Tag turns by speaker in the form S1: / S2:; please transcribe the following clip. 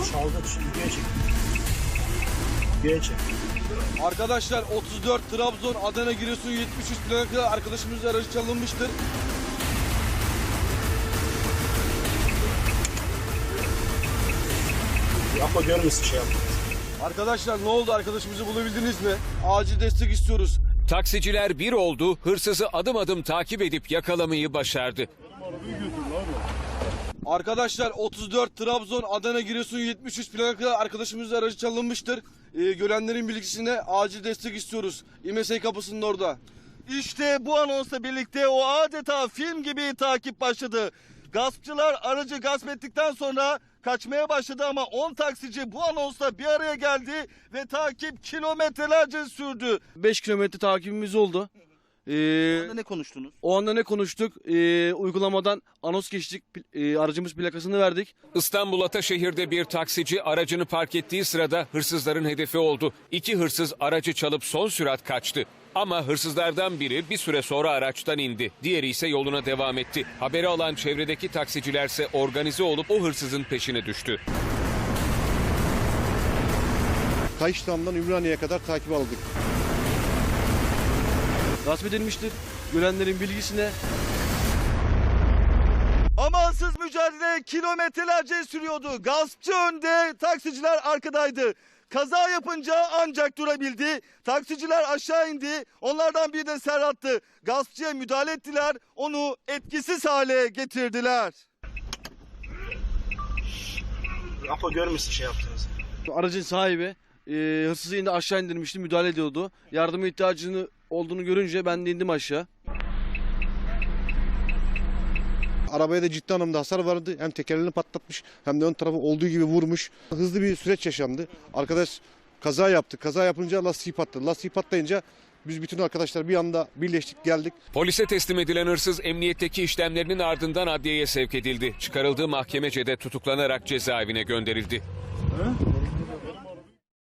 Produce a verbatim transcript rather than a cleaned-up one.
S1: Çaldık şimdi videoya çek. Videoya çek.
S2: Arkadaşlar otuz dört Trabzon Adana Giresun yetmiş üç plaka arkadaşımızın aracı çalınmıştır.
S1: Yapma görmesin şey yapma.
S2: Arkadaşlar ne oldu, arkadaşımızı bulabildiniz mi? Acil destek istiyoruz.
S3: Taksiciler bir oldu, hırsızı adım adım takip edip yakalamayı başardı.
S2: Arkadaşlar otuz dört Trabzon Adana Giresun yetmiş üç plaka arkadaşımızın aracı çalınmıştır. Ee, görenlerin bilgisine acil destek istiyoruz. İMESEY kapısının orada.
S4: İşte bu anonsla birlikte o adeta film gibi takip başladı. Gaspçılar aracı gasp ettikten sonra kaçmaya başladı ama on taksici bu anonsla bir araya geldi ve takip kilometrelerce sürdü.
S2: beş kilometre takibimiz oldu. Ee,
S4: Ne konuştunuz?
S2: o anda ne konuştuk? Ee, uygulamadan anons geçtik. Ee, aracımız plakasını verdik.
S3: İstanbul Ataşehir'de bir taksici aracını park ettiği sırada hırsızların hedefi oldu. İki hırsız aracı çalıp son sürat kaçtı. Ama hırsızlardan biri bir süre sonra araçtan indi. Diğeri ise yoluna devam etti. Haberi alan çevredeki taksicilerse organize olup o hırsızın peşine düştü.
S5: Kayıştam'dan Ümraniye'ye kadar takip aldık.
S2: Gasp edilmiştir. Görenlerin bilgisine.
S4: Amansız mücadele kilometrelerce sürüyordu. Gaspçı önde, taksiciler arkadaydı. Kaza yapınca ancak durabildi. Taksiciler aşağı indi. Onlardan biri de Serhat'tı. Gaspçıya müdahale ettiler. Onu etkisiz hale getirdiler.
S1: Yapma görmesin şey yaptığınızı.
S2: Aracın sahibi e, hırsızı indi, aşağı indirmişti, müdahale ediyordu. Yardıma ihtiyacını olduğunu görünce ben de indim aşağı.
S5: Arabaya da ciddi anlamda hasar vardı. Hem tekerlerini patlatmış hem de ön tarafı olduğu gibi vurmuş. Hızlı bir süreç yaşandı. Arkadaş kaza yaptı. Kaza yapınca lastiği patladı. Lastiği patlayınca biz bütün arkadaşlar bir anda birleştik geldik.
S3: Polise teslim edilen hırsız emniyetteki işlemlerinin ardından adliyeye sevk edildi. Çıkarıldığı mahkemecede tutuklanarak cezaevine gönderildi.
S2: He?